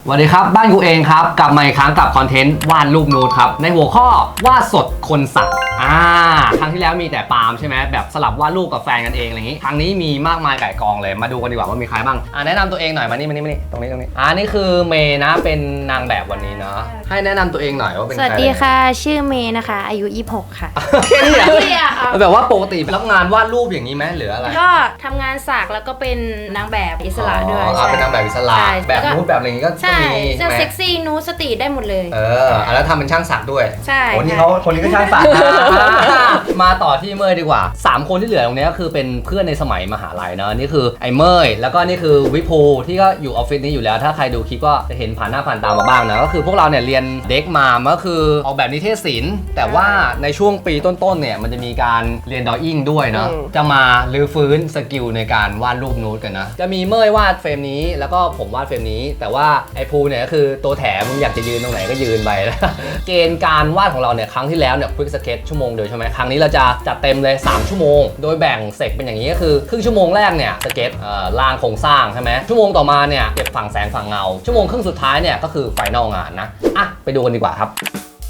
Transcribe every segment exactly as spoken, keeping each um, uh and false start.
สวัสดีครับบ้านกูเองครับกลับมาอีกครั้งกับคอนเทนต์วาดรูปนูดครับในหัวข้อวาดสดคนสักอ่าครั้งที่แล้วมีแต่ปาล์มใช่ไหมแบบสลับวาดรูปกับแฟนกันเองอะไรอย่างนี้ครั้งนี้มีมากมายไก่กองเลยมาดูกันดีกว่าว่ามีใครบ้างอ่าแนะนำตัวเองหน่อยมานี่มานี่มานี่ตรงนี้ตรงนี้อ่านี่คือเมย์นะเป็นนางแบบวันนี้เนาะให้แนะนำตัวเองหน่อยว่าเป็นใครสวัสดีค่ะชื่อเมย์นะคะอายุยี่สิบหกค่ะแค่นี้อ่ะแบบว่าปกติรับงานวาดรูปอย่างนี้ไหมหรืออะไรก็ทำงานสักแล้วก็เป็นนางแบบอิสระด้วยอ๋อเป็นนางแบบอิสระใช่แบบนูดแบบอะไรอย่างนี้ก็ใช่มีจะไหมเซ็กซี่นูดสตรีทได้หมดเลยเออแล้วทำเป็นช่างสักด้วยใช่โอ้นี่ค่ะเขาคนนี้ก็ช่างสัก มาต่อที่เมย์ดีกว่าสามคนที่เหลือตรงนี้ก็คือเป็นเพื่อนในสมัยมหาลัยเนาะนี่คือไอ้เมย์แล้วก็นี่คือวิภูที่ก็อยู่ออฟฟิศนี้อยู่แล้วถ้าใครดูคลิปก็จะเห็นผ่านหน้าผ่านตามาบ้างนะก็คือพวกเราเนี่ยเรียนเด็กมาก็คือออกแบบนิเทศศิลป์แต่ว่าในช่วงปีต้นๆเนี่ยมันจะมีการเรียนดออิ่งด้วยเนาะจะมาลื้อฟื้นสกิลในการวาดรูปนูดกันนะจะมีเมย์วาดเฟรมนี้แล้วก็ผมวาดเฟรมนี้แต่ว่าไอ้ภูเนี่ยก็คือตัวแถมมึงอยากจะยืนตรงไหนก็ยืนไป เกณฑ์การวาดของเราเนี่ยครั้งที่แล้วเนี่ยควิกสเก็ตชั่วโมงเดียวใช่ไหมครั้งนี้เราจะจัดเต็มเลยสามชั่วโมงโดยแบ่งเซกเป็นอย่างนี้ก็คือครึ่งชั่วโมงแรกเนี่ยสเก็ตเอ่อล่างโครงสร้างใช่ไหมชั่วโมงต่อมาเนี่ยเก็บฝั่งแสงฝั่งเงาชั่วโมงครึ่งสุดท้ายเนี่ยก็คือไฟนอลงานนะอ่ะไปดูกันดีกว่าครับ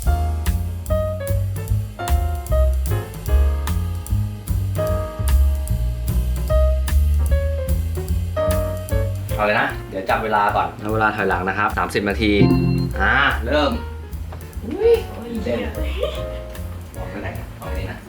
เอาเลยนะเดี๋ยวจับเวลาก่อนเวลาถอยหลังนะครับสามสิบนาทีอ่าเริ่มอุ้ยเต้นออกไปไหนนะออกไปนี่นะ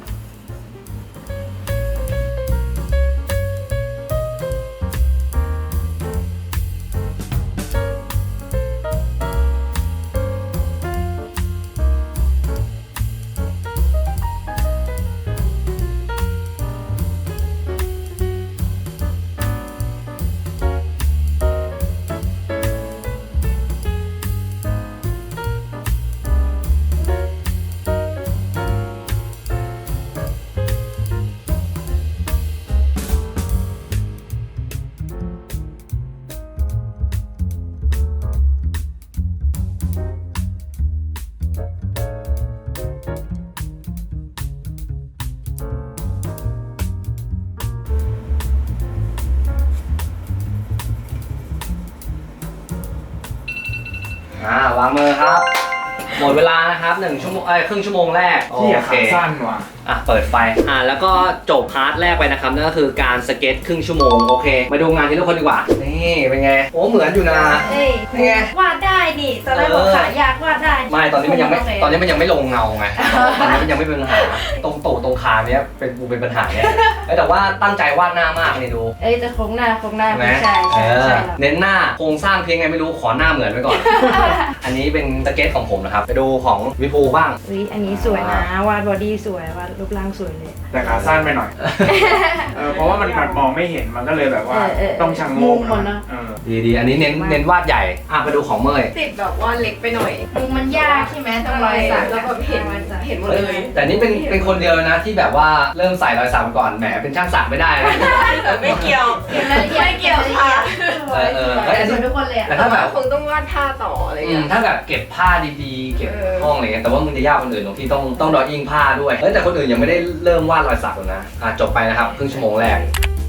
อ่าวางมือครับหมดเวลานะครับหนึ่งชั่วโมงเอ้ยครึ่งชั่วโมงแรกโอที่เคขาสั้นว่ะอ่ะเปิดไฟอ่ะแล้วก็จบพาร์ทแรกไปนะครับนั่นก็คือการสเก็ตครึ่งชั่วโมงโอเคมาดูงานทีละคนดีกว่านี่เป็นไงโอ้เหมือนอยู่นะเอ้ยนี่ไงวาดได้นี่ตอนแรกบอกขายากวาดได้ไม่ตอนนี้มันยังไม่โเคตอนนี้มันยังไม่ลงเงาไงตอนนี้มันยังไม่เป็นปัญหาตรงตูดตรงขาเนี้ยเป็นกูเป็นปัญหาเนี่ยเอ้ยแต่ว่าตั้งใจวาดหน้ามากนี่ดูเอ้ยจะโครงหน้าโครงหน้าใช่ไหมใช่เอใช่อใช่เน้นหน้าโครงสร้างเพียงไงไม่รู้ขอหน้าเหมือนไว้ก่อน อันนี้เป็นสเก็ตของผมนะครับไปดูของวิภูบ้างอุ๊ยอันนี้สวยนะวาดบอดี้สวยวาดรูปร่างสวยเลยแต่ขาสั้นไปหน่อย เออเพราะว่ามันมันมองไม่เห็นมันก็เลยแบบว่าเออเออต้องชังโงมุกมมันเนอะเออดีดีอันนี้เน้นเน้นวาดใหญ่อ่ะไปดูของเมย์ติดแบบว่าเล็กไปหน่อยมุมมันยากใช่ไหมต้องรอยสักแล้วแบบเห็นมันเห็นหมดเลยแต่นี่เป็นเป็นคนเดียวนะที่แบบว่าเริ่มใส่รอยสักก่อนแหมเป็นช่างสักไม่ได้นะแต่ไม่เกี่ยวเห็นรายละเอียดไม่เกี่ยวค่ะสวยเออสเฮ้วยยอันนี้สวยทุกคนเลยอะแต่ถ้าแบบคงต้องวาดท่าต่ออะไรอืเงี้มยถ้าแบบเก็บผ้าดีๆ เก็บเออห้องอะไรเงี้ยแต่ว่ามึงจะยากคนอื่นตรงที่ต้องต้องดออิ่งผ้าด้วยเฮ้ยแต่คนอื่นยังไม่ได้เริ่มวาดรอยสักเลยนะอ่ะจบไปนะครับครึ่งชั่วโมงแรก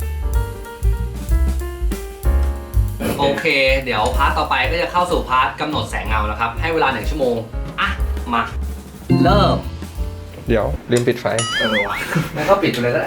โอเค เดี๋ยวพาร์ทต่อไปก็จะเข้าสู่พาร์ทกำหนดแสงเงานะครับ ให้เวลาหนึ่งชั่วโมง อ่ะ มา เริ่มเดี๋ยวลืมปิดไฟเออวะแล้วก็ปิดไปเลยก็ได้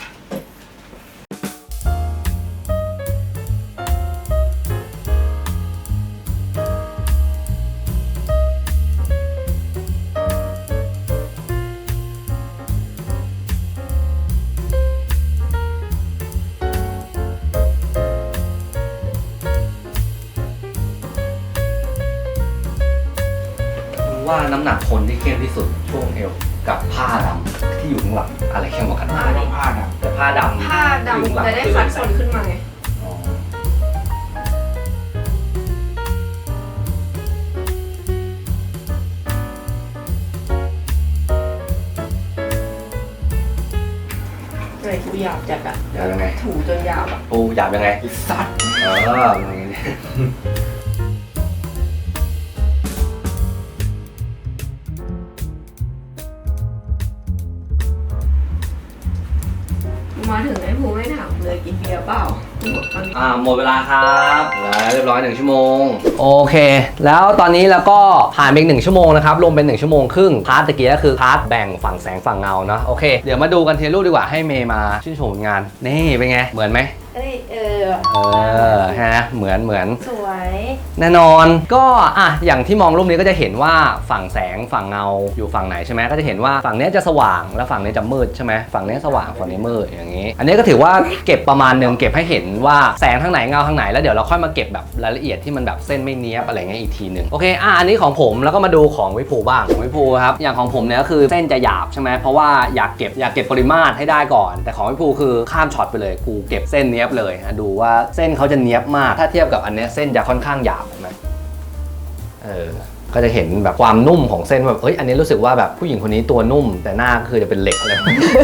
ว่าน้ำหนักคนที่เข้มที่สุดช่วงเอวกับผ้าดำที่อยู่ข้างหลังอะไรเข้มกว่ากันผ้าต้องผ้าดแต่ผ้าดำผ้าดำจะได้คัดคนขึ้นมาไงอ๋อเลยกูหยาบจัดอะอยากยังไงถูจนหยาบอะปูหยาบยังไงำสัตว์เอออะไรอย่างเงี้ยมาถึงไอ้ภูไม่ถามเลยกินเบียร์เปล่ากอ่าหมดเวลาครับแล้วเรียบร้อยหนึ่งชั่วโมงโอเค แล้วตอนนี้เราก็ผ่านไปอีกหนึ่งชั่วโมงนะครับรวมเป็นหนึ่งชั่วโมงครึ่งพาร์ทตะกี้ก็คือพาร์ทแบ่งฝั่งแสงฝั่งเงาเนาะโอเคเดี๋ยวมาดูกันเทรูปดีกว่าให้เมย์มาชื่นชมผลงานนี่เป็นไงเหมือนไหมเอ้ยเออเออฮะเหมือนเหมือนสวยแน่นอนก็อ่ะอย่างที่มองรูปนี้ก็จะเห็นว่าฝั่งแสงฝั่งเงาอยู่ฝั่งไหนใช่ไหมก็จะเห็นว่าฝั่งนี้จะสว่างแล้วฝั่งนี้จะมืดใช่ไหมฝั่งนี้สว่างฝั่งนี้มืดอย่างนี้ อันนี้ก็ถือว่าเก็บประมาณหนึ่งเก็บให้เห็นว่าแสงทางไหนเงาทางไหนแล้วเดี๋ยวเราค่อยมาเก็บแบบรายละเอียดที่มันแบบเส้นไม่เนี้ยบอะไรเงี้ยอีกทีหนึ่งโอเคอ่ะอันนี้ของผมแล้วก็มาดูของวิภูบ้างของวิภูครับอย่างของผมเนี่ยก็คือเส้นจะหยาบใช่ไหมเพราะว่าอยากเก็บอยากเก็บปริมาตรให้ได้ก่อนแต่ของวิภูคือข้ามช็อตไปเลยกูเก็บเส้นเนี้ยบเลยนะดูว่าเส้นเขาจะเนี้ยบมากถ้าเทียบกับอันเนี้ยเส้นจะค่อนข้างหยาบเห็นไหมเออก็จะเห็นแบบความนุ่มของเส้นแบบเอ้ยอันนี้รู้สึกว่าแบบผู้หญิงคนนี้ตัวนุ่มแต่หน้าก็คือจะเป็นเหล็กอะไร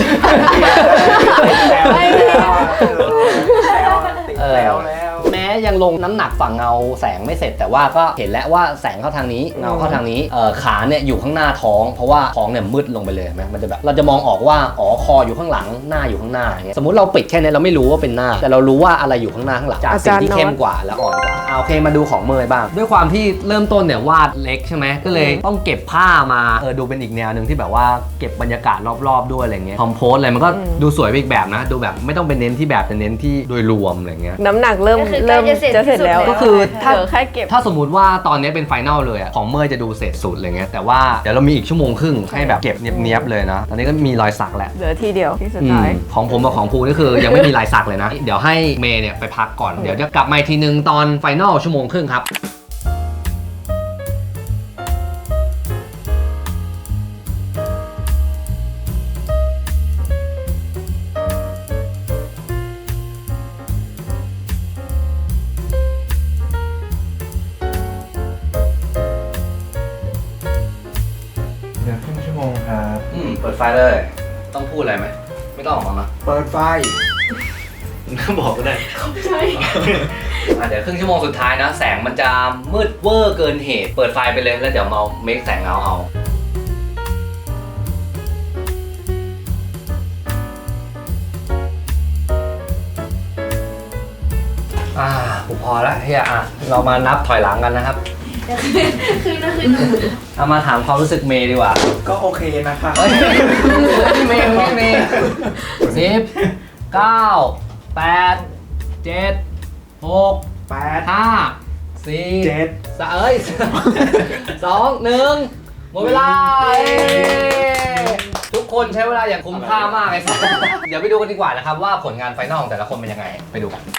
ติดแล้วแล้วแม้ยังลงน้ำหนักฝั่งเงาแสงไม่เสร็จแต่ว่าก็เห็นแล้วว่าแสงเข้าทางนี้เงาเข้าทางนี้เออขาเนี่ยอยู่ข้างหน้าท้องเพราะว่าท้องเนี่ยมืดลงไปเลยไหมมันจะแบบเราจะมองออกว่าอ๋อคออยู่ข้างหลังหน้าอยู่ข้างหน้าอย่างเงี้ยสมมติเราปิดแค่นี้เราไม่รู้ว่าเป็นหน้าแต่เรารู้ว่าอะไรอยู่ข้างหน้าข้างหลังจากสิ่งที่เข้มกว่าและอ่อนกว่าเอาโอเคมาดูของเมย์บ้างด้วยความที่เริ่มต้นเนี่ยวาดเล็กใช่ไหมก็เลยต้องเก็บผ้ามาเออดูเป็นอีกแนวหนึ่งที่แบบว่าเก็บบรรยากาศรอบๆด้วยอะไรเงี้ยคอมโพสอะไรมันก็ดูสวยไปอีกแบบนะดูแบบไม่ต้องเป็นเน้นที่แบบแต่เน้นที่โดยรวมอะไรเงี้ยน้ำหนักเริ่มก็คือเริ่มใกล้จะเสร็จจะเสร็จแล้วที่สุดก็คือถ้าเหลือแค่เก็บถ้าสมมุติว่าตอนนี้เป็นไฟนอลเลยอะของเมย์จะดูเสร็จสุดอะไรเงี้ยแต่ว่าเดี๋ยวเรามีอีกชั่วโมงครึ่งให้แบบเก็บเนียบๆเลยนะตอนนี้ก็มีรอยสักแหละเหลือทีเดียวที่สุดอืท้ายมของผมกับของภูนี่คือยังไม่มีลายสักเลยนะ เดี๋ยวให้เมย์เนี่ยไปพักก่อนเดี๋ยวจะกลับมาอีกทีนึงตอนไฟนอลชั่วโมงครึ่งครับเดี๋ยวครึ่งชั่วโมงครับอืมเปิดไฟเลยต้องพูดอะไรไหมไม่ต้องออกมานะเปิดไฟบอกก็ได้ใช่ เดี๋ยวครึ่งชั่วโมงสุดท้ายนะแสงมันจะมืดเวอร์เกินเหตุเปิดไฟไปเลยแล้วเดี๋ยวมาเมคแสงเงาเอาอ่าผมพอแล้วเฮียอ่ะเรามานับถอยหลังกันนะครับคือนะคือเอามาถามความรู้สึกเมย์ดีกว่าก็โอเคนะคะเฮ้ยพี่เมย์พี่เมย์สิบเก้าแปดเจ็ดหกแปดห้าสี่เจ็ดสามเอ้ยสองหนึ่งหมดเวลาเย้ทุกคนใช้เวลาอย่างคุ้มค่ามากเลยครับเดี๋ยวไปดูกันดีกว่านะครับว่าผลงานไฟนอลของแต่ละคนเป็นยังไงไปดูกัน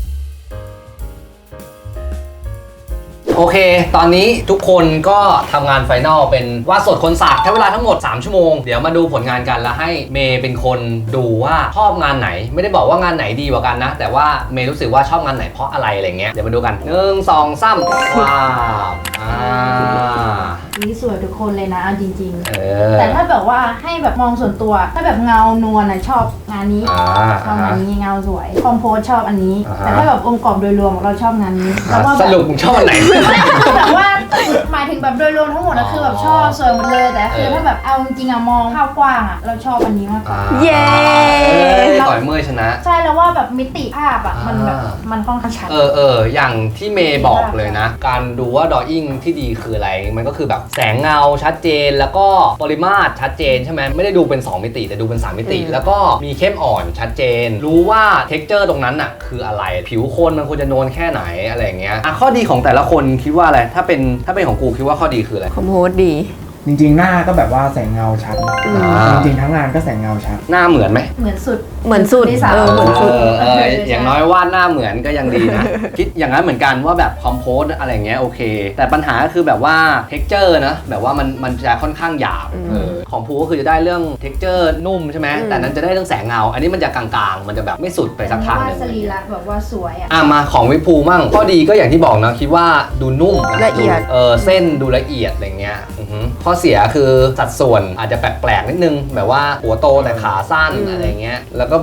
โอเค ตอนนี้ทุกคนก็ทำงานไฟนอลเป็นวาดสดคนสักใช้เวลาทั้งหมดสามชั่วโมงเดี๋ยวมาดูผลงานกันแล้วให้เมย์เป็นคนดูว่าชอบงานไหนไม่ได้บอกว่างานไหนดีกว่ากันนะแต่ว่าเมย์รู้สึกว่าชอบงานไหนเพราะอะไรอะไรเงี้ยเดี๋ยวมาดูกันหนึ่งสองสามว้าวอ่านี่สวยทุกคนเลยนะเอาจริงเอๆอแต่ถ้าแบบว่าให้แบบมองส่วนตัว ถ้าแบบเงานวลนะชอบงานนี้อ่าชอบงานนี้เงาสวยคอมโพสชอบอันนี้อ่าฮะแต่ถ้าแบบองค์ประกอบโดยรวมเราชอบงานนี้แล้วว่าสแบบรุปมึงชอบอันไหนคือแบบว่าหมายถึงแบบโดยรวมทั้งหมดนะคือแบบชอบสวยหมดเลยแต่คือเออถ้าแบบเอาจริงๆอะมองภาพกว้างอะเราชอบอันนี้มากกว่าเย้ต่อยเมื่อยชนะใช่แล้วว่าแบบมิติภาพอะมันแบบอ่ามันค่อนข้างชัดเออเอออย่างที่เมย์บอกเลยนะ การดูว่าดออิ่งที่ดีคืออะไร มันก็คือแบบแสงเงาชัดเจนแล้วก็ปริมาตรชัดเจนใช่ไหมไม่ได้ดูเป็นสองมิติแต่ดูเป็นสามมิติ แล้วก็มีเข้มอ่อนชัดเจน รู้ว่าเท็กเจอร์ตรงนั้นอ่ะคืออะไรผิวคนมันควรจะนวลแค่ไหนอะไรอย่างเงี้ยอ่ะข้อดีของแต่ละคนคิดว่าอะไรถ้าเป็นถ้าเป็นของกูคิดว่าข้อดีคืออะไรคอมโพสดีจริงๆหน้าก็แบบว่าแสงเงาชัดอ่าจริงๆทั้งงานก็แสงเงาชัดหน้าเหมือนไหมเหมือนสุดเหมือนสุดที่สามเออเหมือนสุดเออเอออย่างน้อยวาดหน้าเหมือนก็ยังดีนะ คิดอย่างนั้นเหมือนกันว่าแบบคอมโพสอะไรเงี้ยโอเค แต่ปัญหาก็คือแบบว่าเท็กเจอร์นะแบบว่ามันมันจะค่อนข้างหยาบอืมเออของภูก็คือจะได้เรื่องเท็กเจอร์นุ่มใช่ไหมอืมแต่นั้นจะได้เรื่องแสงเงา อันนี้มันจะกลางๆ มันจะแบบไม่สุดไปสักทางหนึ่งสรีระแบบว่าสวยอะอ่ะมาของวิภูมั่งข้อดีก็อย่างที่บอกนะคิดว่าดูนุ่มนละเอียดเออเส้นดูละเอียดอะไรเงี้ยอือฮึข้อเสียคือสัดส่วนอาจจะแปลกๆนิดนึงแบบว่าหัวโตแต่ขาสั้นอะไรเงี้ยแล้วก็แบบ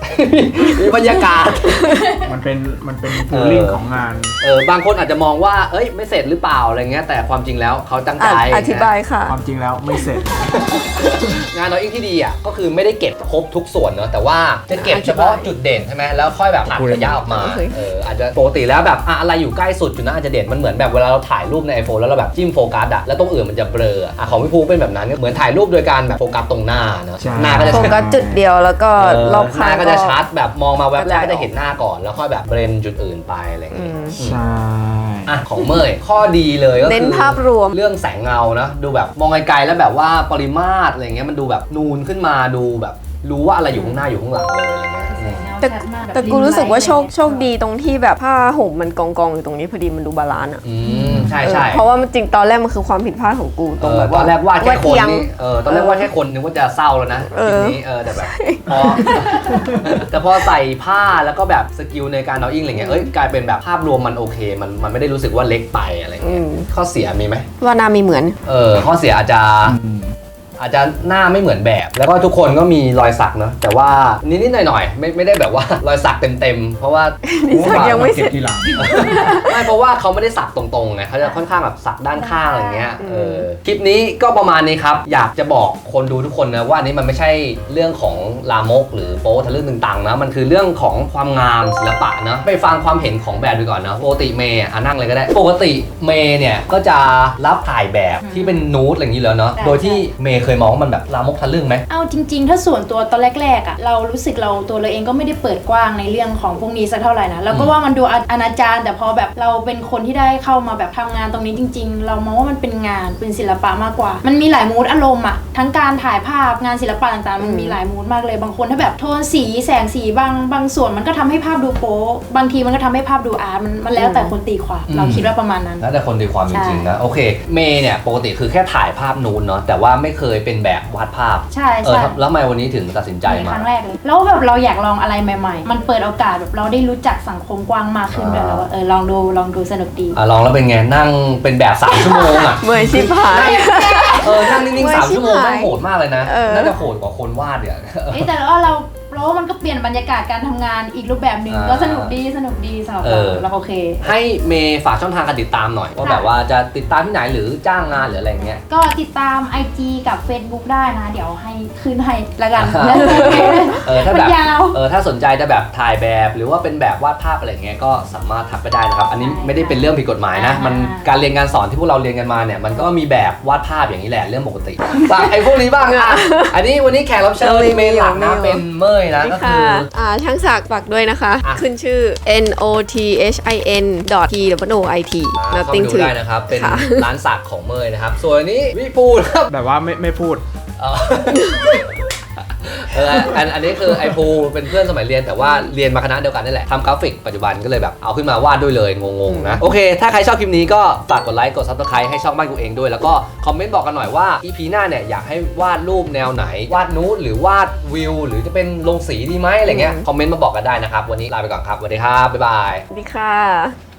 มีบรรยากาศมันเป็นมันเป็นฟูลลิ่งของงานเออบางคนอาจจะมองว่าเอ้ยไม่เสร็จหรือเปล่าอะไรเงี้ยแต่ความจริงแล้วเขาตั้งใจอธิบายค่ะความจริงแล้วไม่เสร็จงานน้อยอิงที่ดีอ่ะก็คือไม่ได้เก็บครบทุกส่วนเนอะแต่ว่าจะเก็บเฉพาะจุดเด่นใช่ไหมแล้วค่อยแบบตัดระยะออกมาโอเคเอออาจจะปกติแล้วแบบอะอะไรอยู่ใกล้สุดจุดนั้นอาจจะเด่นมันเหมือนแบบเวลาเราถ่ายรูปใน iPhone แล้วเราแบบจิ้มโฟกัสอะแล้วตรงอื่นมันจะเบลออะของพี่ภูเป็นแบบนั้นเหมือนถ่ายรูปโดยการแบบโฟกัสตรงหน้าเนอะใช่หน้าก็จะโฟชัดกัสจุดเดียวแล้วก็เออรอบหข้าน้าง ก็จะชัดแบบมองมาแวบแรกก็ก็ได้จะเห็นหน้าก่อนแล้วค่อยแบบเบรนจุดอื่นไปอะไรอย่างอืเงี้ยมใช่อ่ะของเมยข้อดีเลยก็คือเน้นภาพรวมเรื่องแสงเงานะดูแบบมองไกลๆแล้วแบบว่าปริมาตรอะไรเงี้ยมันดูแบบนูนขึ้นมาดูแบบรู้ว่าอะไรอยู่ข้างหน้าอยู่ข้างหลังเลยอะไรเงี้ยอืมแต่ชัดมากบบแต่กูรู้สึกว่าโชคริมไลท์โชคดีตรงที่แบบผ้าห่มมันกองกองๆอยู่ตรงนี้พอดีมันดูบาลานซ์อ่ะอืมใช่ใช่เออเพราะว่ามันจริงตอนแรกมันคือความผิดพลาดของกูตรงเออแบบตอนแรกวาดแค่คนเอียงนี่เออตอนแรกวาดแค่คนนึกว่าจะเศร้าแล้วนะเอทีอนี้เออแต่แบบพอ แต่พอใส่ผ้าแล้วก็แบบสกิลในการเอาอิงอะไรเงี้ยเอ้ยกลายเป็นแบบภาพรวมมันโอเค มันมันไม่ได้รู้สึกว่าเล็กไปอะไรอืเงี้ยมข้อเสียมีไหมว่านามีเหมือนเออข้อเสียอาจจะอาจจะหน้าไม่เหมือนแบบ แล้วก็ทุกคนก็มีรอยสักเนอะแต่ว่านิดๆหน่อยๆไม่ไม่ได้แบบว่ารอยสักเต็มๆเพราะว่านี่สักยังไม่เสร็จทีหลังไม่เพราะว่าเขาไม่ได้สักตรงๆไงเขาจะค่อนข้างแบบสักด้านข้างอะไรเงี้ยอืมเออคลิปนี้ก็ประมาณนี้ครับอยากจะบอกคนดูทุกคนนะว่าอันนี้มันไม่ใช่เรื่องของลามกหรือโป๊ทะลึ่งตึงตังนะมันคือเรื่องของความงามศิลปะนะไปฟังความเห็นของแบบดูก่อนนะปกติเมย์อ่ะนั่งเลยก็ได้ปกติเมย์เนี่ยก็จะรับถ่ายแบบที่เป็นนูดอะไรอย่างนี้แล้วเนาะใช่โดยที่เมย์เคยมองว่ามันแบบลามกทะลึ่งไหมเอาจริงๆ ถ้าส่วนตัวตอนแรกๆอ่ะเรารู้สึกเราตัวเราเองก็ไม่ได้เปิดกว้างในเรื่องของพวกนี้สักเท่าไหร่นะเราก็ว่ามันดูอนาจารแต่พอแบบเราเป็นคนที่ได้เข้ามาแบบทำงานตรงนี้จริง ๆ เรามองว่ามันเป็นงานเป็นศิลปะมากกว่า มันมีหลายมูดอารมณ์อ่ะทั้งการถ่ายภาพงานศิลปะต่างๆมันมีหลายมูดมากเลยบางคนถ้าแบบโทนสีแสงสีบางบางส่วนมันก็ทำให้ภาพดูโป๊ะบางทีมันก็ทำให้ภาพดูอาร์ตมันมันแล้วแต่คนตีความอืมเราคิดว่าประมาณนั้นแล้วแต่คนตีความจริงๆนะใช่โอเคเมย์เนี่ยปกติคือแค่ถ่ายภาพนูนเนาะแต่ว่าไม่เคยเป็นแบบวาดภาพใช่เออใช่แล้วทำไมวันนี้ถึงตัดสินใจในมาครั้งแรกเลยแล้วแบบเราอยากลองอะไรใหม่ๆ มันเปิดโอกาสแบบเราได้รู้จักสังคมกว้างมากขึ้นด้วยอ่าแล้วว่าเออลองดูลองดูสนุกดีอ่ะลองแล้วเป็นไงนั่งเป็นแบบสามชั่วโมงอ่ะเหมือนชิบหายเออนั่งนิ่งๆสามชั่วโมงชิบหายแม่งโหดมากเลยนะเออน่าจะโหดกว่าคนวาดเนี่ยเอ้ยแต่ว่าเราเราว่ามันก็เปลี่ยนบรรยากาศการทำงานอีกรูปแบบหนึ่งอ่าก็สนุกดีสนุกดีสำหรับเอเราอเราโอเคให้เมย์ฝากช่องทางการติดตามหน่อย ว่าแบบว่าจะติดตามที่ไหนหรือจ้างงานหรืออะไรเงี้ยก็ติดตาม ไอ จี กับ Facebook ได้นะ เดี๋ยวให้ขึ้นให้ละกันอ่า เออถ้ามัแบนบยาวเออถ้าสนใจจะแบบถ่ายแบบหรือว่าเป็นแบบวาดภาพอะไรเงี้ยก็สามารถทักไปได้นะครับ อันนี้ไม่ได้เป็นเรื่องผิดกฎหมายนะอ่ามัมันการเรียนการสอนที่พวกเราเรียนกันมาเนี่ยมันก็มีแบบวาดภาพอย่างนี้แหละเรื่องปกติฝากไอ้พวกนี้บ้างอ่ะอันนี้วันนี้แขกรับเชิญเออมีเมย์หลักนะมีเป็นเมยนะก็คืค่ะออ่าช่างศักดิ์ฝากด้วยนะคะอ่ะขึ้นชื่อ n o t h i n dot t w o i t เข้าไป nothing ดู to ได้นะครับ เป็นค่ะร้านสักของเมยนะครับ ส่วนอันนี้วิปูนะครับแบบว่าไม่ไม่พูดเออเอออันอันนี้คือไอภูเป็นเพื่อนสมัยเรียนแต่ว่าเรียนมาคณะเดียวกันนี่แหละทำกราฟิกปัจจุบันก็เลยแบบเอาขึ้นมาวาดด้วยเลยงงๆนะ โอเค ถ้าใครชอบคลิปนี้ก็ฝากกดไลค์กดซับสไครต์ให้ช่องบ้านกูเองด้วย แล้วก็คอมเมนต์บอกกันหน่อยว่า อี พี หน้าเนี่ยอยากให้วาดรูปแนวไหน วาดนูดหรือวาดวิว หรือจะเป็นลงสีดีไหมอะไรเงี้ยคอมเมนต์มาบอกกันได้นะครับวันนี้ลาไปก่อนครับสวัสดีครับบ๊ายบายสวัสดีค่ะ